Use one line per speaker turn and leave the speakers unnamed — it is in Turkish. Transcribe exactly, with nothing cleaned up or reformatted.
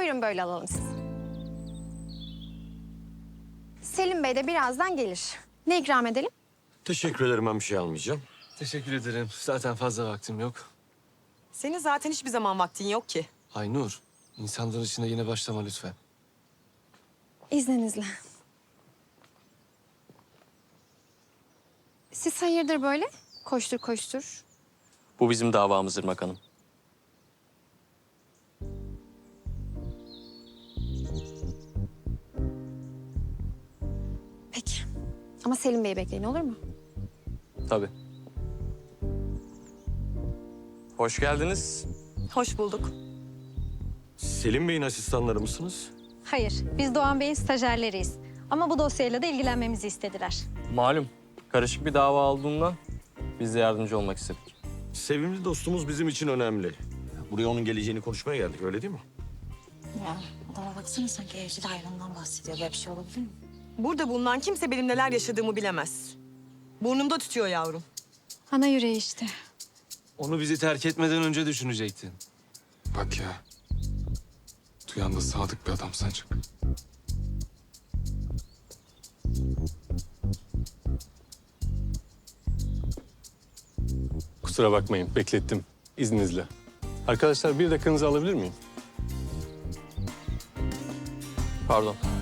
Buyurun böyle alalım sizi. Selim Bey de birazdan gelir. Ne ikram edelim?
Teşekkür ederim, ben bir şey almayacağım.
Teşekkür ederim. Zaten fazla vaktim yok.
Senin zaten hiçbir zaman vaktin yok ki.
Aynur, insanların içine yine başlama lütfen.
İzninizle. Siz hayırdır böyle? Koştur koştur.
Bu bizim davamız Irmak Hanım.
Peki. Ama Selim Bey'i bekleyin, olur mu?
Tabii. Hoş geldiniz.
Hoş bulduk.
Selim Bey'in asistanları mısınız?
Hayır, biz Doğan Bey'in stajyerleriyiz. Ama bu dosyayla da ilgilenmemizi istediler.
Malum, karışık bir dava olduğundan biz de yardımcı olmak istedik.
Sevimli dostumuz bizim için önemli. Buraya onun geleceğini konuşmaya geldik, öyle değil mi?
Ya adama baksana sanki evcil hayvandan bahsediyor. Böyle bir şey olabilir mi?
Burada bulunan kimse benim neler yaşadığımı bilemez. Burnumda tütüyor yavrum.
Ana yüreği işte.
Onu bizi terk etmeden önce düşünecektin.
Bak ya. Duyan da sadık bir adam sancak.
Kusura bakmayın, beklettim. İzninizle. Arkadaşlar bir dakikanızı alabilir miyim?
Pardon.